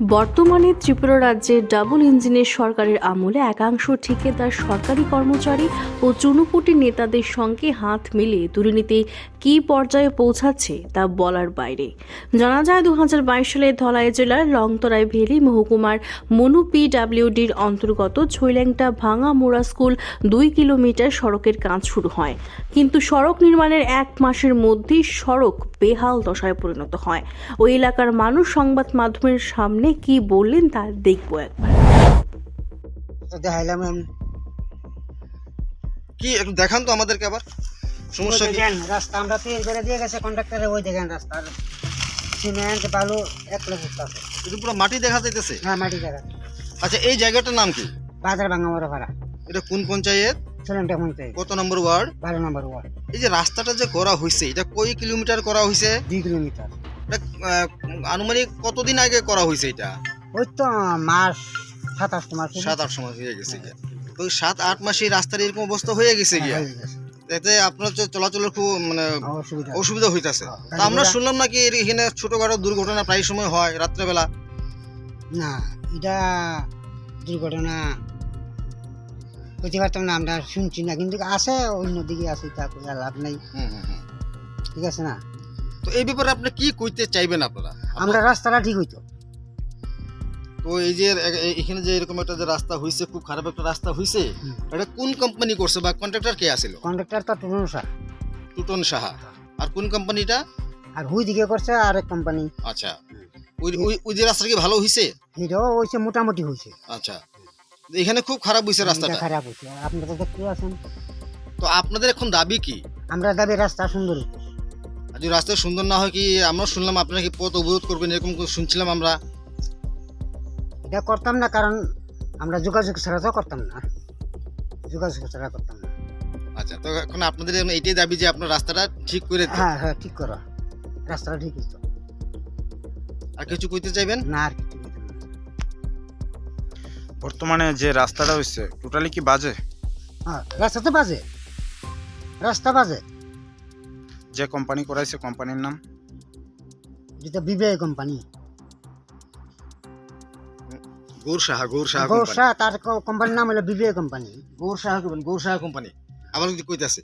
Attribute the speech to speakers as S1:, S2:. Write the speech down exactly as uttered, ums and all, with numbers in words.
S1: বর্তমানে ত্রিপুরা রাজ্যে ডাবল ইঞ্জিনের সরকারের আমলে একাংশ ঠিকাদার সরকারি কর্মচারী ও চুনুপুটি নেতাদের সঙ্গে হাত মিলিয়ে দুর্নীতি কী পর্যায়ে পৌঁছাচ্ছে তা বলার বাইরে। জানা যায় দু হাজার বাইশ সালে ধলাই জেলার লংতরাই ভেলি মহকুমার মনু পিডাব্লিউডির অন্তর্গত ছৈল্যাংটা ভাঙা মোড়া স্কুল দুই কিলোমিটার সড়কের কাজ শুরু হয়, কিন্তু সড়ক নির্মাণের এক মাসের মধ্যেই সড়ক বেহাল দশায় পরিণত হয়। ওই এলাকার মানুষ সংবাদ মাধ্যমের সামনে কি বললেন তা দেখবো একবার।
S2: দেখাইলাম আমি
S3: কি একটু দেখান তো আমাদেরকে আবার সমস্যা কি?
S2: দেখেন রাস্তা আমরা তৈরি করে দিয়ে গেছে কন্ট্রাক্টরে, ওই দেখেন রাস্তার সিমেন্ট বালু এক লোক আছে,
S3: এটা পুরো মাটি দেখা যাইতেছে।
S2: হ্যাঁ মাটি জায়গা।
S3: আচ্ছা, এই জায়গাটার নাম কি?
S2: বাজার ভাঙা মোড়া ভাড়া,
S3: এটা কোন পঞ্চায়েত,
S2: ছেলেটা মধ্যে
S3: কত নম্বর ওয়ার্ড?
S2: বারো নম্বর ওয়ার্ড।
S3: এই যে রাস্তাটা যে করা হয়েছে এটা কয় কিলোমিটার করা হয়েছে?
S2: দুই কিলোমিটার।
S3: এটা আহ, আনুমানিক কতদিন আগে করা হয়েছে? এটা
S2: ওই তো মাস সাত আট মাস হলো।
S3: সাত আট সময় হয়ে গেছে গিয়া। তো ওই সাত আট মাসে রাস্তার এরকম অবস্থা হয়ে গেছে গিয়া,
S2: হয়ে গেছে।
S3: এতে আপনার যে চলাচলের খুব মানে
S2: অসুবিধা
S3: অসুবিধা হইতাছে।
S2: হ্যাঁ,
S3: তা আমরা শুনলাম নাকি এর এখানে ছোটখাটো দুর্ঘটনা প্রায় সময় হয় রাত্রেবেলা।
S2: না, এটা দুর্ঘটনা বুঝতে পারতাম না, আমরা শুনছি না, কিন্তু আছে অন্যদিকে আছে, তা কইয়া লাভ নাই।
S3: হুম হুম হুম।
S2: ঠিক আছে না,
S3: তো এই ব্যাপারে আপনি কি কইতে চাইবেন আপনারা?
S2: আমরা রাস্তাটা ঠিক হইতো।
S3: তো এই যে এ- এ- এখানে যে এরকম একটা যে রাস্তা হইছে, খুব খারাপ একটা রাস্তা হইছে,
S2: হুম।
S3: এটা কোন কোম্পানি করছে বা কন্ট্রাক্টর কে আছিল?
S2: কন্ট্রাক্টর তো টুনুন স্যার,
S3: টুটন সাহা। আর কোন কোম্পানিটা?
S2: আর হুই দিকে করছে আরেক কোম্পানি।
S3: আচ্ছা, ওই ওই ওই যে রাস্তাটা কি ভালো হইছে?
S2: এটাও হয়েছে মোটামুটি হয়েছে।
S3: আচ্ছা, এখানে খুব খারাপ হইছে রাস্তাটা।
S2: এটা খারাপ হয়েছে, আপনারা তো দেখতে আছেন।
S3: তো আপনাদের এখন দাবি কি?
S2: আমরা দাবি রাস্তা সুন্দর হইতো।
S3: আর যদি রাস্তা সুন্দর না হয় কি, আমরা শুনলাম আপনারা কি পথ অবরোধ করবেন এরকম শুনছিলাম আমরা।
S2: এটা করতাম না, কারণ আমরা যোগাযোগ ছাড়া তো করতাম না, যোগাযোগ ছাড়া করতাম না।
S3: আচ্ছা, তো এখন আপনাদের এইটাই দাবি যে আপনার রাস্তাটা ঠিক করে দেন।
S2: হ্যাঁ হ্যাঁ ঠিক করো, রাস্তাটা ঠিক হইতো।
S3: আর কিছু কইতে চাইবেন?
S2: না আর কিছু হইতো না।
S4: বর্তমানে যে রাস্তাটা হচ্ছে টোটালি কি বাজে?
S2: হ্যাঁ রাস্তা তো বাজে, রাস্তা বাজে।
S4: যে কোম্পানি করাইছে কোম্পানির নাম?
S2: যেটা বিবেক কোম্পানি,
S3: গৌর সাহা। গৌর সাহা কোম্পানি।
S2: গৌসা, তার কোম্পানির নাম হলো Bibek company.
S3: Gour Saha company. Gour Saha company আবার যদি কইতাছে